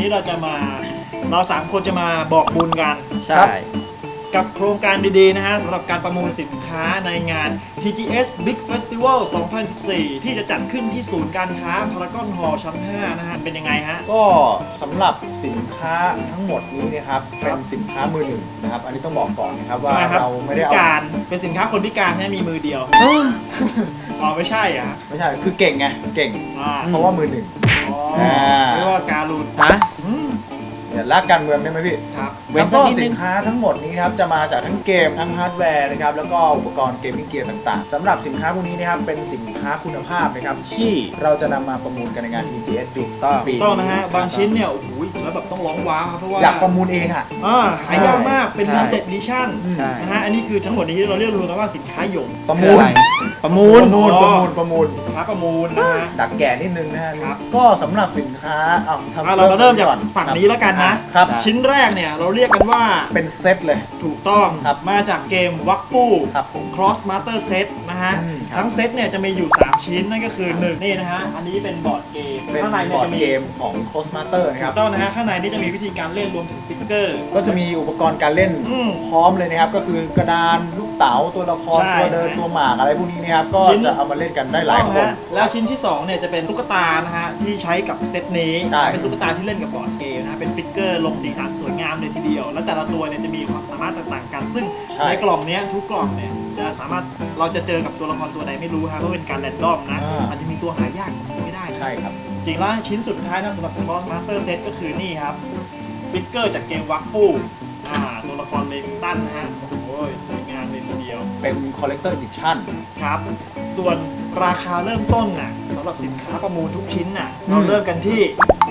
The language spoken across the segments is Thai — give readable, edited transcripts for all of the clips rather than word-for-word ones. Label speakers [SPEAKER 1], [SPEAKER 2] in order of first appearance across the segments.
[SPEAKER 1] เราสามคนจะมาบอกบุญกัน
[SPEAKER 2] ใช่
[SPEAKER 1] กับโครงการดีๆนะฮะสำหรับการประมูลสินค้าในงาน TGS Big Festival 2014 ที่จะจัดขึ้นที่ศูนย์การค้าพารากอนฮอลล์ชั้น 5 นะฮะเป็นยังไงฮะ
[SPEAKER 3] ก็สำหรับสินค้าทั้งหมดนี้นะครับเป็นสินค้ามือหนึ่งนะครับอันนี้ต้องบอกก่อนนะครับว่าเราไม่ได้
[SPEAKER 1] พิ
[SPEAKER 3] เอา
[SPEAKER 1] การเป็นสินค้าคนพิการแค่มีมือเดียวอ๋อไม่ใช่อ่ะ
[SPEAKER 3] ไม่ใช่คือเก่งไงเก่งเพราะว่ามือหนึ่ง
[SPEAKER 1] อ๋อเรียกว่าการุณ
[SPEAKER 2] ฮะ
[SPEAKER 3] อย่าลากการเมืองได้ไหมพี่
[SPEAKER 1] ครับ
[SPEAKER 3] แล้วก็สินค้าทั้งหมดนี้ครับจะมาจากทั้งเกมทั้งฮาร์ดแวร์นะครับแล้วก็อุปกรณ์เกมมิ่งเกียร์ต่างๆสำหรับสินค้าพวกนี้นะครับเป็นสินค้าคุณภาพนะครับที่เราจะนำมาประมูลกันในงาน TGS Big ปี
[SPEAKER 1] ต้องนะฮะบางชิ้นเนี่ยโอ้โหแล้วแบบต้องร้องว้าวครับเพราะว่า
[SPEAKER 3] อยากประมูลเองอ่ะ
[SPEAKER 1] หายากมากเป็น
[SPEAKER 2] ใช่
[SPEAKER 1] limited edition
[SPEAKER 2] ใช่
[SPEAKER 1] นะฮะอันนี้คือทั้งหมดนี้เราเรียกรวมกันว่าสินค้าหยง
[SPEAKER 3] ประมูล
[SPEAKER 2] ประมูล
[SPEAKER 3] ประมูล
[SPEAKER 1] สินค้าประมูลนะฮะ
[SPEAKER 3] ดักแก่นิดนึงนะฮะ
[SPEAKER 1] ครับ
[SPEAKER 3] ก็สำหรับสินค้า
[SPEAKER 1] เราเริ่มจากฝั่งนี้แล้วกันนะครับ ชิ้นแรกเนี่ยเราเรียกกันว่า
[SPEAKER 3] เป็นเซตเลย
[SPEAKER 1] ถูกต้อง
[SPEAKER 3] ครับ
[SPEAKER 1] มาจากเกมวักปู
[SPEAKER 3] ครับผม
[SPEAKER 1] Cross Master Set นะฮะ
[SPEAKER 3] ครับ
[SPEAKER 1] ทั้งเซตเนี่ยจะมีอยู่ 3 ชิ้นนั่นก็คือ1นี่นะฮะอันนี้เป็นบอร์ดเกม
[SPEAKER 3] เป็น
[SPEAKER 1] ข้างใน
[SPEAKER 3] บ
[SPEAKER 1] เนี่ย
[SPEAKER 3] อร์ด
[SPEAKER 1] จะมี
[SPEAKER 3] เกมของ Cosmaster นะค
[SPEAKER 1] ถู
[SPEAKER 3] รับ
[SPEAKER 1] กต้องนะฮะข้างในนี่จะมีวิธีการเล่นรวมถึงสติ๊กเกอร์
[SPEAKER 3] ก็จะมีอุปกรณ์การเล่น
[SPEAKER 1] อืม
[SPEAKER 3] พร้อมเลยนะครับก็คือกระดานลูกเต๋าตัวละคร
[SPEAKER 1] ใช่
[SPEAKER 3] ตัวเดินตัวหมากอะไรพวกนี้นะครับก็
[SPEAKER 1] ชิ้น
[SPEAKER 3] จะเอามาเล่นกันได้หลายคน
[SPEAKER 1] แล้วชิ้นที่2เนี่ยจะเป็นตุ๊กตานะฮะที่ใช้กับเซตนี้
[SPEAKER 3] ใช่
[SPEAKER 1] เป็นตุ๊กตาที่เล่นกับบอร์ดเกมนะฮะเป็นฟิกเกอร์ลงสีสันสวยงามเลยทีเดียว แล้วแต่ละตัวเนี่ยจะมีความสามารถต่างๆกัน ซึ่งในกล่องเนี้ยทุกกล่องเนี่ยจะสามารถเราจะเจอกับตัวละครตัวใดไม่รู้ฮะเพราะเป็นการแรนดอมนะอาจจะมีตัวหายากไม่ได้
[SPEAKER 3] ใช่ครับ
[SPEAKER 1] จริงแล้วชิ้นสุดท้ายนะสำหรับ Cross Master Set ก็คือนี่ครับฟิกเกอร์จากเกมวักปูตัวละครเลมิงตันนะฮะโอ้ยสวยงามเลยทีเดียว
[SPEAKER 3] เป็น Collector Edition
[SPEAKER 1] ครับ ส่วนราคาเริ่มต้นน่ะสำหรับสินค้าประมูลทุกชิ้นน่ะเราเริ่มกันที่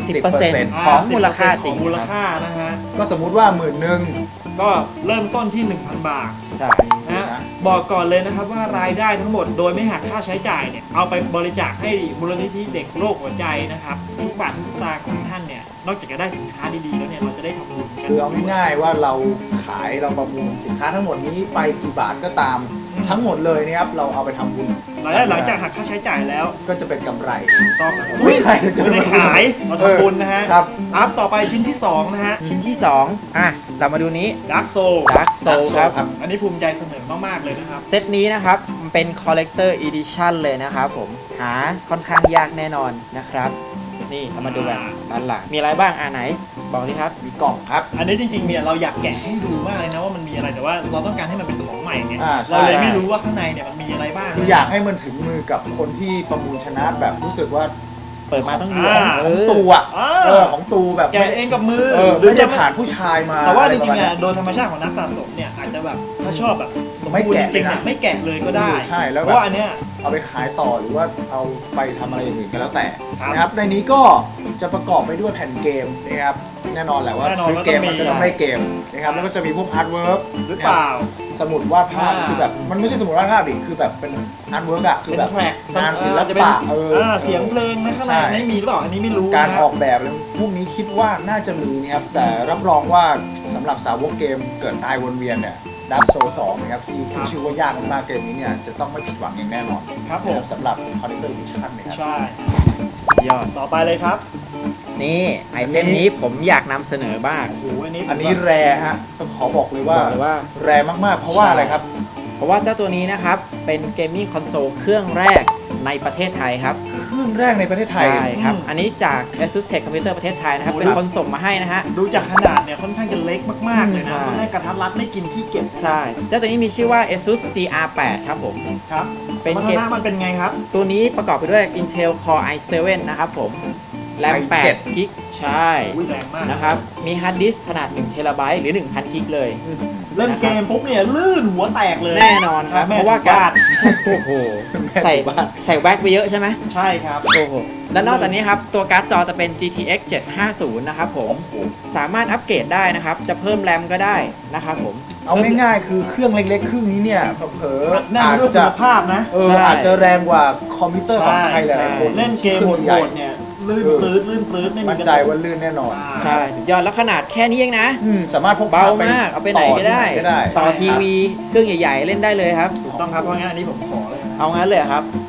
[SPEAKER 2] 10% ของมูลค่าจริง
[SPEAKER 1] ของมูลค่านะฮะ
[SPEAKER 3] ก็สมมุติว่า11,000
[SPEAKER 1] ก็เริ่มต้นที่ 1,000 บาท
[SPEAKER 2] ใช่
[SPEAKER 1] นะฮะบอกก่อนเลยนะครับว่ารายได้ทั้งหมดโดยไม่หักค่าใช้จ่ายเนี่ยเอาไปบริจาคให้มูลนิธิเด็กโรคหัวใจนะครับทุกบาททุกสตางค์ของท่านเนี่ยนอกจากจะได้สินค้าดีๆแล้วเนี่ยเราจะได้ทำบุญกัน
[SPEAKER 3] คือเอาง่ายๆว่าเราขายเราประมูลสินค้าทั้งหมดนี้ไปกี่บาทก็ตามทั้งหมดเลยนะครับเราเอาไปทำบุญ
[SPEAKER 1] รายได้หลังจากหักค่าใช้จ่ายแล้ว
[SPEAKER 3] ก็จะเป็นกำไร
[SPEAKER 1] ต้อง
[SPEAKER 3] ไม่ใช่
[SPEAKER 1] ไม่ได้ขายเราทำบุญนะฮะ
[SPEAKER 3] ครับ
[SPEAKER 1] อัพต่อไปชิ้นที่ 2 นะฮะ
[SPEAKER 2] ชิ้นที่ 2เรามาดูนี้
[SPEAKER 1] Dark Soul
[SPEAKER 2] Dark Soul ครับ
[SPEAKER 1] อันนี้ภูมิใจเสนอมากๆเลยนะครับ
[SPEAKER 2] เซตนี้นะครับมันเป็น Collector Edition เลยนะครับผมหาค่อนข้างยากแน่นอนนะครับ นี่เรามาดูกันด้านหลังมีอะไรบ้างไหนบอกดิครับ
[SPEAKER 3] มีกล่องครับ
[SPEAKER 1] อันนี้จริงๆเนี่ยเราอยากแกะให้ดูมากเลยนะว่ามันมีอะไรแต่ว่าเราต้องการให้มันเป็นของใหม่ไง
[SPEAKER 3] ใช่
[SPEAKER 1] เราเลยไม่รู้ว่าข้างในเนี่ยมันมีอะไรบ้าง
[SPEAKER 3] คืออยากให้มันถึงมือกับคนที่ประมูลชนะแบบรู้สึกว่า
[SPEAKER 2] เปิดมาต้องดู
[SPEAKER 3] ของตูอ่ะของตูแบบ
[SPEAKER 1] แกะเองกับมือ
[SPEAKER 3] หรือจะผ่านผู้ชายมา
[SPEAKER 1] แต่ว่าจริงๆ
[SPEAKER 3] อะ
[SPEAKER 1] อ่ะโดยธรรมชาติของนักสะสมเนี่ยอาจจะแบบถ้าชอบแบบสม
[SPEAKER 3] ไม่
[SPEAKER 1] บูรณ์
[SPEAKER 3] แกะ
[SPEAKER 1] จริงๆ
[SPEAKER 3] เลย
[SPEAKER 1] เนี่ย
[SPEAKER 3] นะ
[SPEAKER 1] ไม่แกะเลยก็ได้
[SPEAKER 3] ใช่แล้ว
[SPEAKER 1] เพ
[SPEAKER 3] แบบ
[SPEAKER 1] ราะว่าอันเนี้ย
[SPEAKER 3] เอาไปขายต่อหรือว่าเอาไปทำอะไรอย่างอื่นก็แล้วแต่
[SPEAKER 1] ครับ
[SPEAKER 3] นะครับในนี้ก็จะประกอบไปด้วยแผ่นเกมนะครับแน่นอนแหละว่า
[SPEAKER 1] แน่นอน
[SPEAKER 3] ซื้อเกม
[SPEAKER 1] ว่าต้องมี
[SPEAKER 3] มันจะต้องได้เกมนะครับแล้วก็จะมีพวกอาร์ตเวิร์ก
[SPEAKER 1] หรือเปล่า
[SPEAKER 3] สมุดวาดภาพ
[SPEAKER 1] อ่า
[SPEAKER 3] คือแบบมันไม่ใช่สมุดวาดภาพดิคือแบบเป็นอาร์ตเวิร์กอะคือ
[SPEAKER 1] เป็น
[SPEAKER 3] แบบ
[SPEAKER 1] แทร็ก
[SPEAKER 3] งานศิล
[SPEAKER 1] จะเป็น
[SPEAKER 3] ปะ
[SPEAKER 1] เสียงเพลงนะข้างใน
[SPEAKER 3] ใช่
[SPEAKER 1] ไม่มีหรือเปล่าอันนี้ไม่รู้
[SPEAKER 3] การ
[SPEAKER 1] นะ
[SPEAKER 3] ออกแบบอะไรพวกนี้คิดว่าน่าจะมีนะครับแต่รับรองว่าสำหรับสาวกเกมเกิดตายวนเวียนเนี่ยดับโซ2นะครับที่ขึ้นชื่อว่ายากมากๆเกมนี้เนี่ยจะต้องไม่ผิดหวังอย่างแน่นอน
[SPEAKER 1] ครับผม
[SPEAKER 3] สำหรับ Collector Edition นะครับ
[SPEAKER 1] ใช่
[SPEAKER 2] ยอด
[SPEAKER 1] ต่อไปเลยครับ
[SPEAKER 2] นี่ไอเทมนี้ผมอยากนำเสนอบ้าง
[SPEAKER 1] โอ้โหอันนี้
[SPEAKER 3] อันนี้แรฮะต้องขอบอกเลยว่า
[SPEAKER 2] บอกเลยว่า
[SPEAKER 3] แรมากๆ เพราะว่าอะไรครับ
[SPEAKER 2] เพราะว่าเจ้าตัวนี้นะครับเป็นเกมมิ่งคอนโซลเครื่องแรกในประเทศไทยครับ
[SPEAKER 3] เครื่องแรกในประเทศไทย
[SPEAKER 2] ใช่ครับ อันนี้จาก ASUS Tech Computer ประเทศไทยนะครับ เป็นคนส่งมาให้นะฮะ
[SPEAKER 1] ดูจากขนาดเนี่ยค่อนข้างจะเล็กมากๆเลยนะ
[SPEAKER 2] ใช่
[SPEAKER 1] ค่อนข้างกระทัดรัดไม่กินที่เก็บ
[SPEAKER 2] ใช่ เจ้าตัวนี้มีชื่อว่า ASUS GR8 ครับผม
[SPEAKER 1] ครับ
[SPEAKER 2] เป็น
[SPEAKER 1] พั
[SPEAKER 2] เก
[SPEAKER 1] ฒ
[SPEAKER 2] ม
[SPEAKER 1] นามันเป็นไงครับ
[SPEAKER 2] ตัวนี้ประกอบไปด้วย Intel Core i7 นะครับผม แรม
[SPEAKER 3] i7
[SPEAKER 2] 8กิกใช่
[SPEAKER 1] อุ้ยแรงมาก
[SPEAKER 2] นะครับ มีฮาร์ดดิสก์ขนาด1 เทราไบต์หรือ 1,000 กิกเลย
[SPEAKER 1] เล่นเกมปุ๊บเนี่ยลื่นหัวแตกเลย
[SPEAKER 2] แน่นอนครับ
[SPEAKER 1] แม่
[SPEAKER 2] เพราะว่า
[SPEAKER 1] บ้า
[SPEAKER 2] การ โอ้โห ใส่แว็กไปเยอะใช่ไหม
[SPEAKER 1] ใช่ครับ
[SPEAKER 2] โอ้โห และนอกจากนี้ครับ ตัวการ์ดจอจะเป็น GTX 750 นะครับผม สามารถอัปเกรดได้นะครับ จะเพิ่มแรมก็ได้นะครับผม
[SPEAKER 3] เอาง่ายๆ คือเครื่องเล็กๆ เครื่องนี้เนี่ยเผลอๆ
[SPEAKER 1] แน่น
[SPEAKER 3] อาจ
[SPEAKER 1] ด้วยคุ
[SPEAKER 3] จะ
[SPEAKER 1] ณภาพนะ
[SPEAKER 2] ใช่
[SPEAKER 3] อาจจะแรงกว่าคอมพิวเตอร์ของใครหลายๆคน
[SPEAKER 1] เล่นเกม
[SPEAKER 3] ค
[SPEAKER 1] โห
[SPEAKER 3] รื่องใหญ่
[SPEAKER 1] ดๆเนี่ยลื่นปลื้ดลื่นปลื้ดไม่มี
[SPEAKER 3] มั่นใจว่าลื่นแน่นอน
[SPEAKER 2] ใช่สุดยอดแล้วขนาดแค่นี้เองนะ
[SPEAKER 3] สามารถพก
[SPEAKER 2] เบามาก เอาไปไหนก็ได้ ต่อทีวีเครื่องใหญ่ๆ เล่นได้เลยครับ
[SPEAKER 1] ถูกต้องครับเพราะงั้นอันนี้ผมขอเลยนะ
[SPEAKER 2] เอางั้นเลยครับ
[SPEAKER 1] ว้าย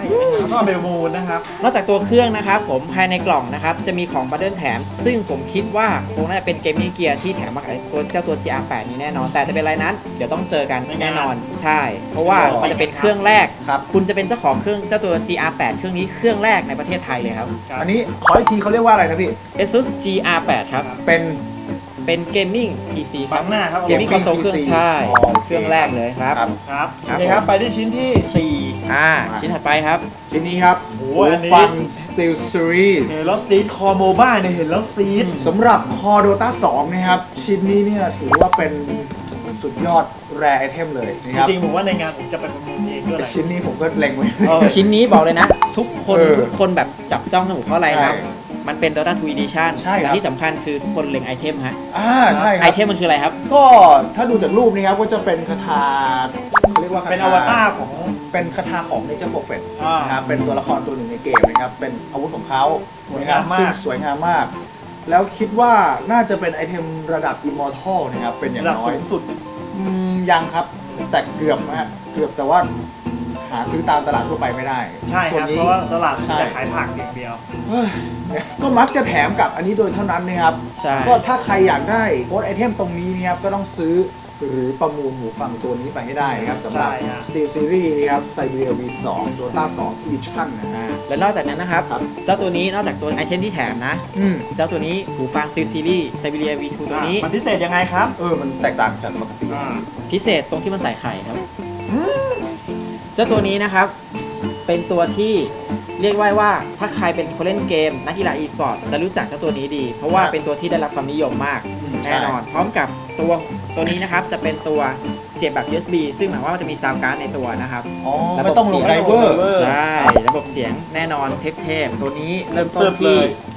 [SPEAKER 1] แล้วก็เบลมูนนะครับ
[SPEAKER 2] นอกจากตัวเครื่องนะครับผมภายในกล่องนะครับจะมีของบันเดิลแถม ซึ่งผมคิดว่าคงน่าจะเป็นเกมมิ่งเกียร์ที่แถมมากับเจ้าตัว GR8 นี้แน่นอน แต่จะเป็นอะไรนั้นเดี๋ยวต้องเจอกันแน่นอนใช่ เพราะว่ามันจะเป็นเครื่องแรก
[SPEAKER 3] ครับ
[SPEAKER 2] คุณจะเป็นเจ้าของเครื่องเจ้าตัว GR8 เครื่องนี้เครื่องแรกในประเทศไทยเลยครับ
[SPEAKER 3] อันนี้ขออีกทีเขาเรียกว่าอะไรนะพี่
[SPEAKER 2] ASUS GR8 ครับ เป็นเกมมิ่ง PC ค
[SPEAKER 1] บั
[SPEAKER 2] รับ
[SPEAKER 1] งหน้าครับ
[SPEAKER 2] เกมมิ่งคอนโซลเครื่อง
[SPEAKER 3] PC
[SPEAKER 2] ใช่
[SPEAKER 3] อ๋อโอเค
[SPEAKER 2] เครื่องแรกเลยครับ
[SPEAKER 3] ครับ
[SPEAKER 1] ครับ
[SPEAKER 2] ครับ
[SPEAKER 1] โอเคครับไปที่ชิ้นที่
[SPEAKER 2] ชิ้นถัดไปครับ
[SPEAKER 3] ชิ้นนี้ครับ
[SPEAKER 1] โอ้อันนี้
[SPEAKER 3] ฟัง Steel Series
[SPEAKER 1] 4เห็นแล้วซีดคอโมบ้าเนี่ยเห็นแล้วซีด
[SPEAKER 3] สำหรับ Core Dota 2 นะครับ ชิ้นนี้เนี่ยถือว่าเป็นสุดยอดแรไอเทมเลยนะครับ
[SPEAKER 1] จริงๆผมว่าในงานผมจะไปประมูลเองด้วยแหละ
[SPEAKER 3] ชิ้นนี้ผมก็เล็งไว้
[SPEAKER 2] ชิ้นนี้บอกเลยนะ ทุกคน
[SPEAKER 3] เออ
[SPEAKER 2] ทุกคนแบบจับจ้องสมุดเพราะอะไรครับ
[SPEAKER 3] ใช่
[SPEAKER 2] มันเป็น Dota 2 Edition
[SPEAKER 3] ใช่ครับ
[SPEAKER 2] และที่สำคัญคือทุกคนเล็งไอเทมฮะ
[SPEAKER 3] ใช่ค
[SPEAKER 2] ไอ
[SPEAKER 3] รับ
[SPEAKER 2] เทมมันคืออะไรครับ
[SPEAKER 3] ก็ถ้าดูจากรูปนี้ครับก็จะเป็นคาถาเขาเรียกว่าคาถา
[SPEAKER 1] เป็นอวตารของ
[SPEAKER 3] เป็นคาถาของ Nature Prophet
[SPEAKER 1] อ่า
[SPEAKER 3] นะครับเป็นตัวละครตัวหนึ่งในเกมนะครับเป็นอาวุธของเขา
[SPEAKER 1] สวยงามมาก
[SPEAKER 3] ซึ่สวยงามมาก แล้วคิดว่าน่าจะเป็นไอเทมระดับ Immortal นะครับเป็นอย่าง
[SPEAKER 1] ระดับ
[SPEAKER 3] น้อย
[SPEAKER 1] สูงสุด
[SPEAKER 3] ยังครับแต่เกือบนะฮะเกือบแต่ว่าหาซื้อตามตลาดทั่วไปไม่ได้
[SPEAKER 1] ใช่ค
[SPEAKER 3] ส่วน
[SPEAKER 1] รับ
[SPEAKER 3] นี้
[SPEAKER 1] เพราะว่าตลาด
[SPEAKER 3] ใช่
[SPEAKER 1] จะขายผักอย่างเดียว
[SPEAKER 3] เฮ้ยก็มักจะแถมกับอันนี้โดยเท่านั้นนะครับ
[SPEAKER 2] ใช่
[SPEAKER 3] ก็ถ้าใครอยากได้โค้ดไอเทมตรงนี้นะครับก็ต้องซื้อหรือประมูลหูฟังตัวนี้ไปให้ได้นะครับสำหรับ
[SPEAKER 1] ใช่ฮะ
[SPEAKER 3] Steel Series นะครับ Siberia V2 Dota 2 Edition นะฮะ
[SPEAKER 2] และนอกจากนั้นนะครับ
[SPEAKER 3] ครับ
[SPEAKER 2] เจ้าตัวนี้นอกจากตัวไอเทมที่แถมนะ
[SPEAKER 3] อืม
[SPEAKER 2] เจ้าตัวนี้หูฟังซีรีส์ Siberia V2 ตัวนี้
[SPEAKER 1] มันพิเศษยังไงครับ
[SPEAKER 3] มันแตกต่างจากปกติ
[SPEAKER 2] พิเศษตรงที่มันใส่ไข่ครับ เจ้าตัวนี้นะครับ เป็นตัวที่เรียกว่าถ้าใครเป็นคนเล่นเกมนักกีฬา e-sport จะรู้จักเจ้าตัวนี้ดี เพราะว่าเป็นตัวที่ได้รับความนิยมมาก แน่นอน พร้อมกับตัวนี้นะครับ จะเป็นตัวเสียบแบบ USB ซึ่งหมายว่ามันจะมีซาวด์การ์ดในตัวนะครับ
[SPEAKER 3] อ๋อ
[SPEAKER 2] ระบบ
[SPEAKER 3] ไม่ต้องลง
[SPEAKER 2] เสียง
[SPEAKER 3] ไดเวอร์
[SPEAKER 2] ใช่ ระบบเสียงแน่นอนเทพๆตัวนี้เริ่มต้นที่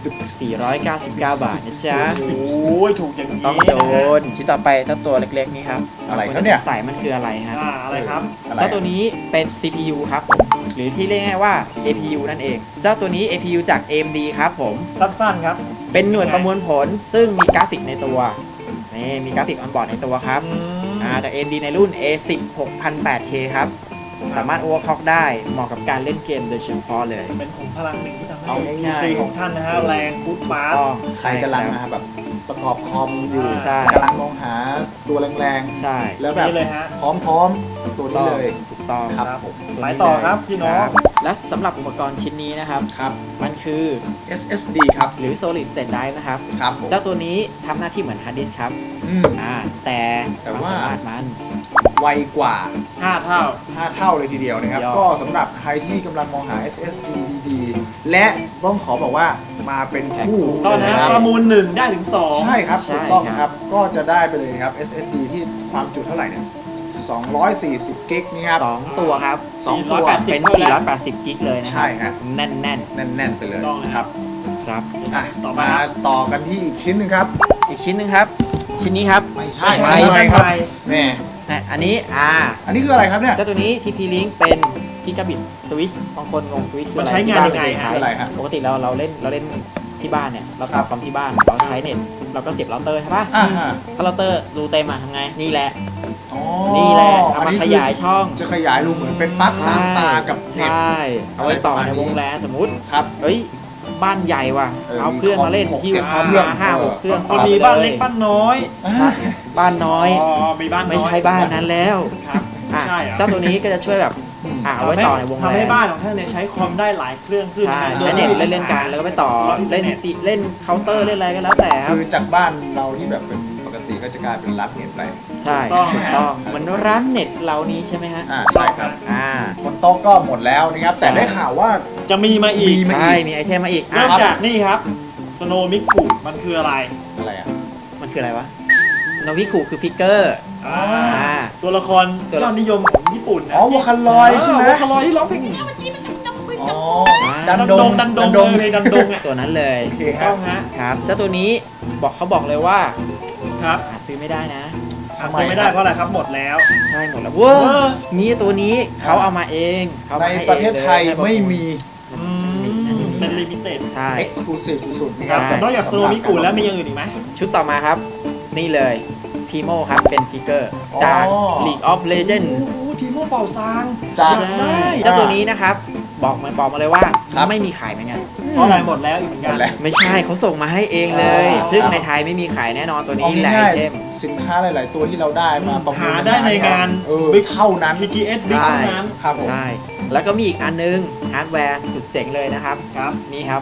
[SPEAKER 2] 499 บาทนะจ๊ะ
[SPEAKER 1] โอ้ยถูกอย่างนี้
[SPEAKER 2] ต้องโด
[SPEAKER 1] นะฮะ
[SPEAKER 2] นชิ้นต่อไปเจ้าตัวเล็กๆนี้ครับ
[SPEAKER 3] อะไรครับเนี่ย
[SPEAKER 2] ใส่มันคืออะไรครับ
[SPEAKER 1] อะไรครับ
[SPEAKER 3] อะไร
[SPEAKER 2] เจ้าตัวนี้เป็น CPU ครับผม หรือที่เรียกง่ายๆว่า APU นั่นเอง เจ้าตัวนี้ APU จาก AMD ครับผม
[SPEAKER 1] สั้นๆครับ
[SPEAKER 2] เป็นหน่วยประมวลผลซึ่งมีกราฟิกในตัว นี่มีกราฟิกออนบอร์ดในตัวครับ จาก AMD ในรุ่น A10 6008K ครับ สามารถ overclock ได้เหมาะกับการเล่นเกมโดยเฉพาะเลย
[SPEAKER 1] เป็นขุมพลังหนึ่งที่ทำให้
[SPEAKER 3] เอาง่ายๆ
[SPEAKER 1] PC ของท่านนะฮะแรงฟุตฟาส
[SPEAKER 2] ต้อง
[SPEAKER 3] ใครกำลังมาแบบประกอบคอมอยู่
[SPEAKER 2] ใช่
[SPEAKER 3] กำลังมองหาตัวแรง
[SPEAKER 2] ใช่
[SPEAKER 3] ๆ แล้วแบบ
[SPEAKER 1] นี่เลยฮะ
[SPEAKER 3] พร้อมๆตัวนี้เลย
[SPEAKER 2] ถูกต้อง
[SPEAKER 3] ครับผม
[SPEAKER 1] ไปต่อครับพี่น้อง
[SPEAKER 2] ครับและสำหรับอุปกรณ์ชิ้นนี้นะครับ
[SPEAKER 3] ครับ
[SPEAKER 2] มันคือ
[SPEAKER 3] SSD ครับ
[SPEAKER 2] หรือ Solid State Drive นะครับ
[SPEAKER 3] ครับผม
[SPEAKER 2] เจ้าตัวนี้ทำหน้าที่เหมือนฮาร์ดดิสก์ครับ
[SPEAKER 3] อืม
[SPEAKER 2] แต่
[SPEAKER 3] แต่
[SPEAKER 2] ความ
[SPEAKER 3] ว่า
[SPEAKER 2] สามารถมัน
[SPEAKER 3] ไวกว่า
[SPEAKER 1] 5 เท่า
[SPEAKER 3] 5 เท่าเลยทีเดียวนะครับ
[SPEAKER 2] ยอด
[SPEAKER 3] ก็สำหรับใครที่กำลังมองหา SSD ดีๆ และต้องขอบอกว่ามาเป็นคู่
[SPEAKER 1] ตอน
[SPEAKER 3] เลย
[SPEAKER 1] นี้
[SPEAKER 3] นะครับ
[SPEAKER 1] ประมูล1ได้ถึง 2
[SPEAKER 3] ใช่ครับ
[SPEAKER 2] ใช่
[SPEAKER 3] ถูกต้อง
[SPEAKER 2] ครับ
[SPEAKER 3] นะครับ ก็จะได้ไปเลยครับ SSD ที่ความจุเท่าไหร่เนี่ย240กิกนี่ครับ
[SPEAKER 2] สองตัวครับ
[SPEAKER 3] สองตัว
[SPEAKER 1] 480
[SPEAKER 2] เป็น 480 กิกเลยนะครั
[SPEAKER 3] ใช่ฮะ
[SPEAKER 2] แน่น
[SPEAKER 3] แน่นๆไปเลย
[SPEAKER 1] ถูกต้องนะครับ
[SPEAKER 2] ๆ ครับ
[SPEAKER 3] อ่ะ
[SPEAKER 1] ต่อไป
[SPEAKER 3] มาต่อกันที่อีกชิ้นหนึ่งครับ
[SPEAKER 2] อีกชิ้นหนึ่งครับ ชิ้นนี้ครับ
[SPEAKER 3] ไม่ใช่
[SPEAKER 2] ไม่
[SPEAKER 3] ไม่ครับแม่
[SPEAKER 2] อันนี้
[SPEAKER 3] อันนี้คืออะไรครับเนี่ย
[SPEAKER 2] เจ้าตัวนี้ TP Link เป็นกิกะบิตสวิตช์บางคนงงสวิตช์คือ
[SPEAKER 1] มัน
[SPEAKER 2] อะไร
[SPEAKER 1] ใช้งานยังไง
[SPEAKER 2] ที่บ้
[SPEAKER 1] ฮะ
[SPEAKER 3] คืออะไรฮะ
[SPEAKER 2] ปกติเราเล่นที่บ้านเนี่ย เราต่อคอมที่บ้าน เราใช้เน็ต เราก็เสียบเราเตอร์ใช่ปะ
[SPEAKER 3] อ่าฮะ
[SPEAKER 2] ถ้าเราเตอร์รูเต็มอะทำไง นี่แหละ
[SPEAKER 3] อ๋อ
[SPEAKER 2] นี่แหละเอา
[SPEAKER 3] อัน
[SPEAKER 2] มา
[SPEAKER 3] นี้
[SPEAKER 2] ขยายช่อง
[SPEAKER 3] จะขยายรูเหมือนเป็นปลั๊กสามตากับเน็ต
[SPEAKER 2] ใช่ เอาไว้ต่อในวงแลนสมมุติ
[SPEAKER 3] ครับ
[SPEAKER 2] เฮ้ย บ้านใหญ่ว่ะ เอาเครื่องมาเล่น
[SPEAKER 3] มีคอม
[SPEAKER 2] ที่
[SPEAKER 3] หก
[SPEAKER 2] คอม
[SPEAKER 3] เครื่อง
[SPEAKER 2] มา5-6 เครื่อง
[SPEAKER 1] คนมีบ้านเล็กบ้านน้อย
[SPEAKER 3] อ่า
[SPEAKER 2] บ้านน้อย
[SPEAKER 1] มีบ้านน้อย
[SPEAKER 2] ไม่ใช่บ้านนั้นแล้ว
[SPEAKER 1] ครับ
[SPEAKER 2] อ่ะ
[SPEAKER 1] ใช่เหรอ
[SPEAKER 2] เจ้าตัวนี้ก็จะช่วยแบบเอาไว้ต่อในวงแล
[SPEAKER 1] ทำให้
[SPEAKER 2] น
[SPEAKER 1] บ้านของท่านเนี่ยใช้คอมได้หลายเครื่องขึ้น
[SPEAKER 2] ใช่
[SPEAKER 1] ะ
[SPEAKER 2] ใช้เน็ตเล่นๆกันแล้วก็ไปต่อเล่นซีเล่นเคาน์เตอร์เล่นอะไรก็แล้วแต่ครับ
[SPEAKER 3] คือจากบ้านเราที่แบบเป็นปกติก็จะกลายเป็นรับเน็ตไป
[SPEAKER 2] ใช่ถูกต้องเหมือนร้านเน็ตเรานี้ใช่ไหมฮะ
[SPEAKER 3] ใช่ครับ
[SPEAKER 2] อ่า
[SPEAKER 3] บนโต๊ะก็หมดแล้วนะครับ แต่ได้ข่าวว่า
[SPEAKER 1] จะมีมาอีก
[SPEAKER 3] มีมา
[SPEAKER 2] ใช่มีไอเทมมาอีก
[SPEAKER 1] เริ่ม
[SPEAKER 2] อ่ะ
[SPEAKER 1] จากนี่ครับสโนมิกุมันคืออะไร
[SPEAKER 3] อะไรอ่ะ
[SPEAKER 2] มันคืออะไรวะสโนวิคูคือพิกเกอร์
[SPEAKER 1] อ่า
[SPEAKER 2] อ่า
[SPEAKER 1] ตัวละครยอดนิยมของญี่ปุ่นนะ
[SPEAKER 3] อ๋อวอคันลอยใช่ไหม
[SPEAKER 1] วอคันลอยที่ร้องเพลง
[SPEAKER 3] อ๋อ
[SPEAKER 1] ดันดงดันดงเลยดันดงอ่ะ
[SPEAKER 2] ตัวนั้นเลย
[SPEAKER 3] โอเคค
[SPEAKER 1] ต้
[SPEAKER 3] รั
[SPEAKER 1] อบ งฮะ
[SPEAKER 2] ครับเจ้าตัวนี้เขาบอกเลยว่า
[SPEAKER 1] ครับ
[SPEAKER 2] หาซื้อไม่ได้นะ
[SPEAKER 1] หาซื้อไม่ได้เพราะอะไรครับหมดแล้ว
[SPEAKER 2] ใช่หมดแล้วเว้
[SPEAKER 1] เว้
[SPEAKER 2] ย
[SPEAKER 1] ย
[SPEAKER 2] มีตัวนี้เขาเอามาเองเขา
[SPEAKER 3] ใน
[SPEAKER 2] มาให้
[SPEAKER 3] ประเทศไทย
[SPEAKER 2] องล
[SPEAKER 3] ไม่มี
[SPEAKER 1] อืมเป็นลิมิเต็ด
[SPEAKER 2] ใช่
[SPEAKER 3] exclusive สุดๆนะ
[SPEAKER 1] ค
[SPEAKER 3] ค
[SPEAKER 1] รั
[SPEAKER 3] รั
[SPEAKER 1] บบ แต่นอกจากสโนมิกุแล้วมีอย่างอื่นอีกไหม
[SPEAKER 2] ชุดต่อมาครับ นี่เลยทีโมครับเป็นฟิกเกอร์จาก League of Legends
[SPEAKER 1] โอ้โหทีโม่เป่าซาง
[SPEAKER 3] จาก
[SPEAKER 2] ใช่เจ้าตัวนี้นะครับบอกมาเลยว่า
[SPEAKER 3] ครับ
[SPEAKER 2] ไม่มีขายเหมือนกัน
[SPEAKER 1] เพราะอะไรหมดแล้วอีกเหมือน
[SPEAKER 3] หม
[SPEAKER 1] กัน
[SPEAKER 3] ดแล้ว
[SPEAKER 2] ไม่ใช่เขาส่งมาให้เองเลย
[SPEAKER 3] อ๋อ
[SPEAKER 2] ซึ่ง
[SPEAKER 3] ครับ
[SPEAKER 2] ในไทยไม่มีขายแน่นอนตัว
[SPEAKER 3] เอา
[SPEAKER 2] นี้แหละไอ
[SPEAKER 3] ง่าย
[SPEAKER 2] เทม
[SPEAKER 3] ๆสินค้าหลาย ๆ ตัวที่เราได้มาประมูล
[SPEAKER 1] หาได้ในงาน
[SPEAKER 3] บิ๊กเท่านั้น
[SPEAKER 1] TGS Big
[SPEAKER 2] ใช่
[SPEAKER 1] เท่านั้น
[SPEAKER 3] ครับผม
[SPEAKER 2] ใช่ แล้วก็มีอีกอันนึงฮาร์ดแวร์สุดเจ๋งเลยนะครับ
[SPEAKER 1] ครับ
[SPEAKER 2] นี่ครับ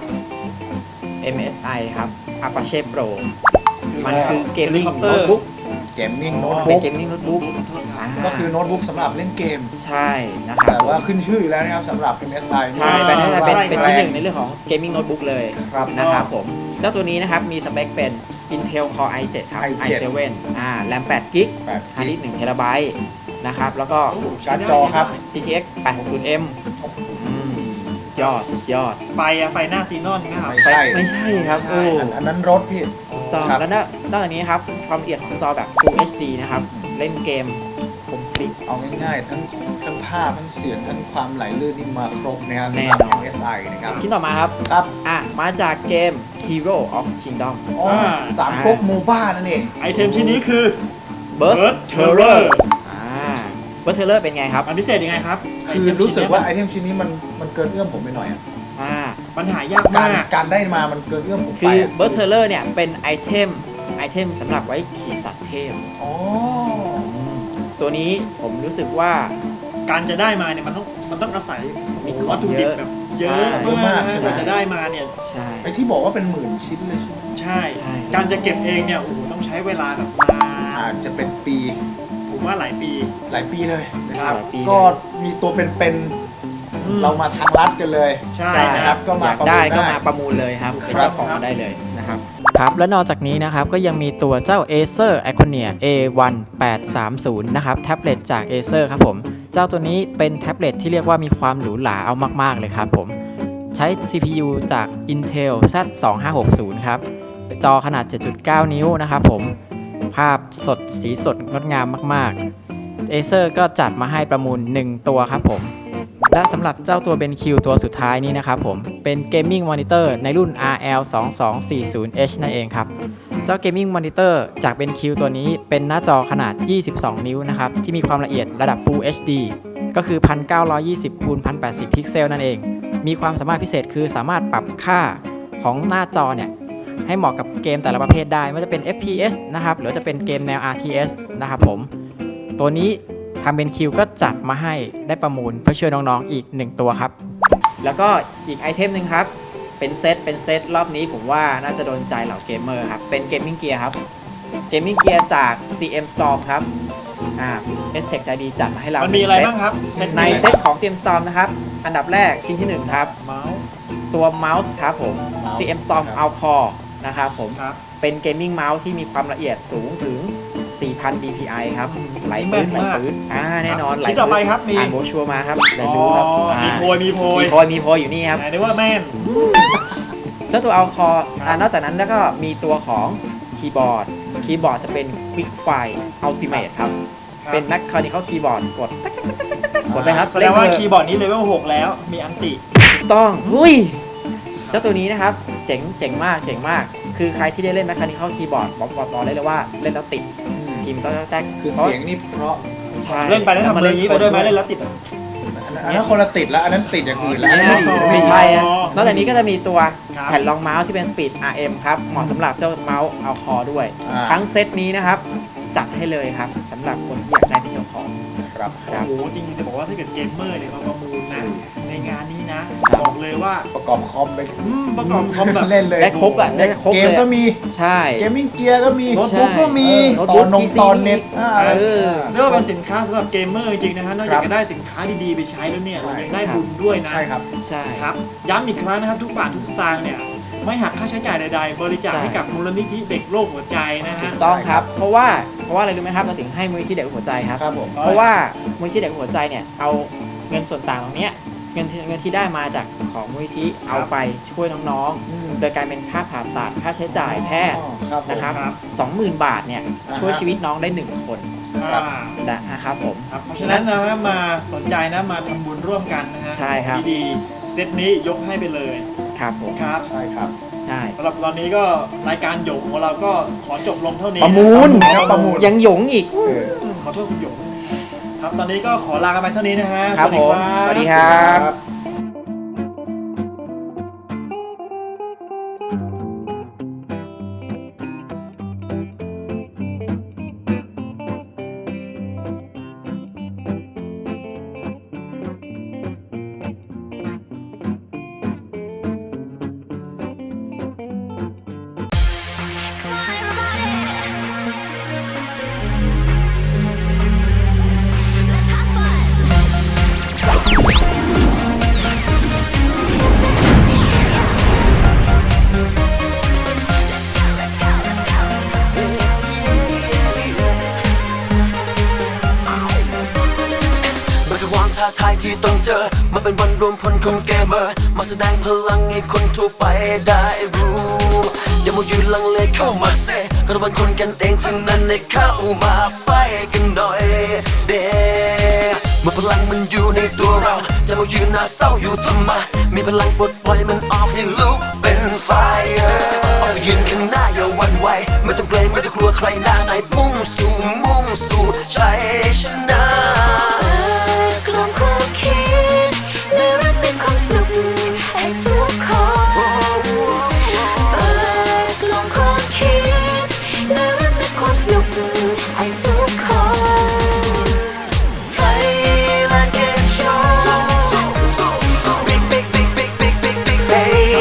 [SPEAKER 2] MSI ครับ Apache Pro มันคือเกมมิ่ง
[SPEAKER 1] Helicopter
[SPEAKER 2] โน้ตบุ๊ก
[SPEAKER 3] เกมมิ่งโน้ต
[SPEAKER 2] เป็น
[SPEAKER 3] บุ๊ก
[SPEAKER 2] เกมมิ่งโน้ตบุ๊ก
[SPEAKER 3] ก็คือโน้ตบุ๊กสำหรับเล่นเกม
[SPEAKER 2] ใช่นะครับ
[SPEAKER 3] แต่ว่าขึ้นชื่ออยู่แล้วนะครับสำหรับ MSI
[SPEAKER 2] ใช่เป็น
[SPEAKER 1] ใช่
[SPEAKER 2] เป็นที่หนึ่งในเรื่องของเกมมิ่งโน้ตบุ๊กเลย
[SPEAKER 3] ครับ
[SPEAKER 2] นะครับผม เจ้าตัวนี้นะครับมีสเปคเป็น Intel Core i7 ครับ
[SPEAKER 3] i7
[SPEAKER 2] i7 แรม8 g b
[SPEAKER 3] 8
[SPEAKER 2] ฮาร์ดดิสก์1 TB นะครับ แล้วก็
[SPEAKER 3] การ์ดจอครับ
[SPEAKER 2] GTX 860M อืมยอดสุดยอด
[SPEAKER 1] ไฟไฟหน้าซีนอนนะครับ
[SPEAKER 3] ไม่ใช่
[SPEAKER 2] ไม่ใช่ครับ
[SPEAKER 1] ใช่
[SPEAKER 2] โอ้
[SPEAKER 3] อันนั้นรถพี่
[SPEAKER 2] ต่อ
[SPEAKER 3] ครับ
[SPEAKER 2] แล้วนอกจากนี้ครับ ความละเอียดของจอแบบ Full HD นะครับ เล่นเกมคมคลิก
[SPEAKER 3] เอาง่ายๆ ทั้งภาพทั้งเสียงทั้งความไหลลื่นนี่มาครบนะครับ
[SPEAKER 2] แน่
[SPEAKER 3] สำหรับ
[SPEAKER 2] นอน
[SPEAKER 3] MSI นะครับ
[SPEAKER 2] ชิ้นต่อมาครับ
[SPEAKER 3] ครับ
[SPEAKER 2] มาจากเกม Hero of Kingdom
[SPEAKER 3] อ๋อสามก๊กโมบ้านั่นเอง
[SPEAKER 1] ไอเทมชิ้นนี้คือ
[SPEAKER 2] Burst
[SPEAKER 1] Burst
[SPEAKER 2] Terror
[SPEAKER 1] Terror
[SPEAKER 2] Burst Terror เป็นไงครับ
[SPEAKER 1] มันพิเศษยังไงครับ
[SPEAKER 3] คือรู้สึกว่าไอเทมชิ้นนี้มันเกินเอื้อมผมไปหน่อยอะ
[SPEAKER 1] มันหายาก
[SPEAKER 3] การ
[SPEAKER 1] มาก
[SPEAKER 3] การได้มามันเกินเอื้อมผมไป
[SPEAKER 2] คือ
[SPEAKER 3] อะ
[SPEAKER 2] Burst Terror เนี่ยเป็นไอเทมสำหรับไว้ขี่สัตว์เทพ
[SPEAKER 3] อ๋อ
[SPEAKER 2] ตัวนี้ผมรู้สึกว่า
[SPEAKER 1] การจะได้มาเนี่ยมันต้องอาศัย
[SPEAKER 2] มีของ
[SPEAKER 1] วัตถุดิบแบบเยอะ
[SPEAKER 2] ใช่
[SPEAKER 1] มากนะกว่าจะได้มาเนี่ย
[SPEAKER 2] ใช่
[SPEAKER 3] ไอที่บอกว่าเป็นหมื่นชิ้นเลยใช่ไหม
[SPEAKER 1] ใช่
[SPEAKER 2] ใช่
[SPEAKER 1] การจะเก็บเองเนี่ยโอ้โหต้องใช้เวลาแบบนาน
[SPEAKER 3] อาจจะเป็นปี
[SPEAKER 1] ผมว่าหลายปี
[SPEAKER 3] หลายปีเลยนะครับ
[SPEAKER 2] หลายปี
[SPEAKER 3] ก็มีตัวเป็นๆเรามาทางลัดกันเลย
[SPEAKER 1] ใช่
[SPEAKER 2] ใช่
[SPEAKER 1] นะ
[SPEAKER 2] ค
[SPEAKER 1] ค
[SPEAKER 2] รั
[SPEAKER 1] รั
[SPEAKER 2] บบ
[SPEAKER 3] ก็มา
[SPEAKER 2] อยาก
[SPEAKER 3] ประมูล
[SPEAKER 2] ได้ก็
[SPEAKER 3] ได้
[SPEAKER 2] มาประมูลเลยครับ เป็น
[SPEAKER 3] ครับ
[SPEAKER 2] เจ้าของมาได้เลยนะครับ ครับและนอกจากนี้นะครับก็ยังมีตัวเจ้า Acer Iconia A1830 นะครับแท็บเล็ตจาก Acer ครับผมเจ้าตัวนี้เป็นแท็บเล็ตที่เรียกว่ามีความหรูหราเอามากๆเลยครับผมใช้ CPU จาก Intel Z2560 ครับจอขนาด 7.9 นิ้วนะครับผมภาพสดสีสดงดงามมากๆ Acer ก็จัดมาให้ประมูล 1 ตัวครับผมและสำหรับเจ้าตัว BenQ ตัวสุดท้ายนี้นะครับผมเป็น Gaming Monitor ในรุ่น RL2240H นั่นเองครับเจ้า Gaming Monitor จาก BenQ ตัวนี้เป็นหน้าจอขนาด 22 นิ้วนะครับที่มีความละเอียดระดับ Full HD ก็คือ 1920 คูณ 1080 พิกเซลนั่นเองมีความสามารถพิเศษคือสามารถปรับค่าของหน้าจอเนี่ยให้เหมาะกับเกมแต่ละประเภทได้ไม่ว่าจะเป็น FPS นะครับหรือจะเป็นเกมแนว RTS นะครับผมตัวนี้ทาง BenQ ก็จัดมาให้ได้ประมูลเพื่อช่วยน้องๆอีก 1 ตัวครับแล้วก็อีกไอเทมหนึ่งครับเป็นเซตรอบนี้ผมว่าน่าจะโดนใจเหล่าเกมเมอร์ครับเป็นเกมมิ่งเกียร์ครับเกมมิ่งเกียร์จาก CM Storm ครับSTech ใจดีจัดมาให้เรา
[SPEAKER 1] มันมีอะไร
[SPEAKER 2] 1
[SPEAKER 1] บ้างครับ
[SPEAKER 2] ในเซตของ CM Storm นะครับอันดับแรกชิ้นที่ 1 ครับ
[SPEAKER 1] เมาส์
[SPEAKER 2] ตัวเมาส์ครับผม
[SPEAKER 3] เมาส์
[SPEAKER 2] CM Storm
[SPEAKER 3] ครับ
[SPEAKER 2] Alcore นะครับผม
[SPEAKER 1] ครับ
[SPEAKER 2] เป็นเกมมิ่งเมาส์ที่มีความละเอียดสูงถึง 4,000 dpi ครับไหล
[SPEAKER 1] แม่
[SPEAKER 2] ปื้
[SPEAKER 1] น
[SPEAKER 2] ไหล
[SPEAKER 1] มาก
[SPEAKER 2] ปื้นแน่นอนไหล
[SPEAKER 1] ชิ้นต่อไปครับมี
[SPEAKER 2] อ่านโบรชัวร์มาครับได้
[SPEAKER 1] อ๋อ
[SPEAKER 2] รู้ครับ
[SPEAKER 1] มีโพย
[SPEAKER 2] มีโพยอยู่นี่ครับ
[SPEAKER 1] ไหนได้ว่าแม่น
[SPEAKER 2] เจ้าตัว Alcore
[SPEAKER 1] ครับ
[SPEAKER 2] นอกจากนั้นแล้วก็มีตัวของคีย์บอร์ดจะเป็น Quick Fire Ultimate ครับเป็น Mechanical Keyboard กดไปครับ
[SPEAKER 1] แสดงว่า
[SPEAKER 2] เล่น
[SPEAKER 1] คีย์บอร์ดนี้เลเวล6แล้วมีอันติ
[SPEAKER 2] ถูกต้องหุ้ยเจ้าตัวนี้นะครับเจ๋งมากคือใครที่ได้เล่น Mechanical Keyboard บอกได้เลยว่าเล่นแล้วติดพิมพ์ต้องแตก
[SPEAKER 3] คือเสียงนี่เพราะ
[SPEAKER 2] ใช่
[SPEAKER 1] เล่นไปแล้วทำมืออย่างนี้ไปด้วยไหมเล่นแล้วติด
[SPEAKER 3] อันนั้นคนละติดแล้วอันนั้นติดอย่างอื่นแล้ว
[SPEAKER 2] อันนั้นไม่ใช่อะนอกจากนี้ก็จะมีตัว
[SPEAKER 1] ครับ
[SPEAKER 2] แผ่นรองเมาส์ที่เป็น Speed RM ครับเหมาะสำหรับเจ้าเมาส์เอาคอด้วย
[SPEAKER 3] อ่า
[SPEAKER 2] ทั้งเซตนี้นะครับจัดให้เลยครับสำหรับคนที่อยากได้เป็นเจ้าของ
[SPEAKER 3] ครับ
[SPEAKER 2] ครับ
[SPEAKER 1] โอ้โหจริงๆจะบอกว่าถ้าเกิดเกมเมอร์เนี่ยมาประมูลนะในงานนี้นะ บอกเลยว่า
[SPEAKER 3] ประกอบคอมไป
[SPEAKER 1] ประกอบคอมแบบ
[SPEAKER 3] เล่นเลย
[SPEAKER 2] ได้ครบอ่ะได้ครบ
[SPEAKER 3] เก
[SPEAKER 2] เล
[SPEAKER 3] ม
[SPEAKER 2] ย
[SPEAKER 3] ก็
[SPEAKER 2] อะ
[SPEAKER 3] มี
[SPEAKER 2] ใช่
[SPEAKER 3] เกมมิ่งเกียร์ก็มี
[SPEAKER 1] โน้ตบุ๊กก็มี
[SPEAKER 2] โน้ต
[SPEAKER 3] ต
[SPEAKER 2] บุ๊
[SPEAKER 3] อก นนง
[SPEAKER 2] PC
[SPEAKER 3] ตอนเน็ต
[SPEAKER 2] เออ
[SPEAKER 1] เรียกว่าเป็นสินค้าสำหรับเกมเมอร์จริงๆนะฮะนอกจากจะได้สินค้าดีๆไปใช้แล้วเนี่ยเรายังได้บุญด้วยนะ
[SPEAKER 3] ใช่ครับ
[SPEAKER 2] ใช่
[SPEAKER 1] ครับย้ำอีกครั้งนะครับทุกบาททุกสตางค์เนี่ยไม่หักค่าใช้จ่ายใดๆ บริจาค
[SPEAKER 2] ใช่
[SPEAKER 1] ให้กับมูลนิธิเด็กโรคหัวใจนะ
[SPEAKER 2] ถู
[SPEAKER 1] ฮะ
[SPEAKER 2] กต้องครับเพราะว่าอะไรรู้ไหมครับเราถึงให้มูลนิธิเด็กหัวใจครับ
[SPEAKER 3] ครับผม
[SPEAKER 2] เพราะว่ามูลนิธิเด็กหัวใจเนี่ยเอาเงินส่วนต่างตรงเนี้ยเงินที่ได้มาจากของมูลนิธิเอาไปช่วยน้องๆ โดยการเป็นค่าผ่าตัดค่าใช้จ่ายแพทย์
[SPEAKER 3] ครับผม
[SPEAKER 2] นะครับ
[SPEAKER 1] ครับ
[SPEAKER 2] 20,000 บาทเนี่ย
[SPEAKER 3] อ่าฮะ
[SPEAKER 2] ช่วยชีวิตน้องได้ 1 คน
[SPEAKER 3] ครับ
[SPEAKER 2] นะครับผม
[SPEAKER 1] ครับเพราะฉะนั้นนะฮะมาสนใจนะมาทำบุญร่วมกันนะฮะ
[SPEAKER 2] ใช่ครับ
[SPEAKER 1] ดีๆเซตนี้ยกให้ไปเลย
[SPEAKER 2] ครับผม
[SPEAKER 1] ครับ
[SPEAKER 3] ใช่ครับ
[SPEAKER 2] ใช่
[SPEAKER 1] สำหรับตอนนี้ก็รายการหยงของเราก็ขอจบลงเท่านี้
[SPEAKER 2] ประมูล
[SPEAKER 1] ครับประมูล
[SPEAKER 2] ยังหยงอีก
[SPEAKER 1] ขอโทษคุณหยงครับตอนนี้ก็ขอลากันไปเท่านี้นะฮะ
[SPEAKER 2] ครับผม สวัสดีครับ
[SPEAKER 3] ครับ
[SPEAKER 4] ท้าทายที่ต้องเจอมันเป็นวันรวมพลของเกมเมอร์มาแสดงพลังให้คนทั่วไปได้รู้อย่ามัวยืนลังเลเข้ามาเซก็เป็นคนกันเองทั้งนั้นให้เข้ามาไฟกันหน่อยเดเมื่อพลังมันอยู่ในตัวเราจะมายืนหน้าเศร้าอยู่ทำไมมีพลังปลดปล่อยมันออกให้ลุกเป็นไฟออกไปยืนข้างหน้าอย่าหวั่นไหวไม่ต้องเกรงไม่ต้องกลัวใครหน้าไหนมุ่งสู่ชัยชนะ
[SPEAKER 5] กลมความคิดในรักเป็นความสนุกให้ทุกคนเปิดกลมความคิดในรักเป็นความสนุกให้ทุกคน Thailand Game Show
[SPEAKER 4] Big face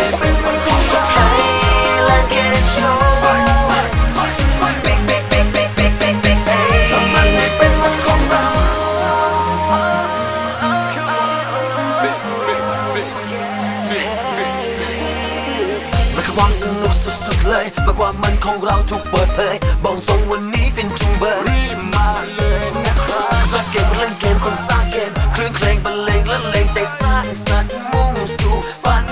[SPEAKER 5] Thailand Game Show
[SPEAKER 4] Big face
[SPEAKER 5] ทำมันให้เป็นวันของเรา
[SPEAKER 4] มันคือความสนุกสุดๆเลยเมื่อความมันของเราถูกเปิดเผยบอกตรงวันนี้ฟินจุงเบอร์รีบมาเลยนะครับรักเกมเล่นเกมคนสร้างเกมเครื่องเพลงบรรเลงและเลงใจสร้างสรรค์มุ่งสู่ฝัน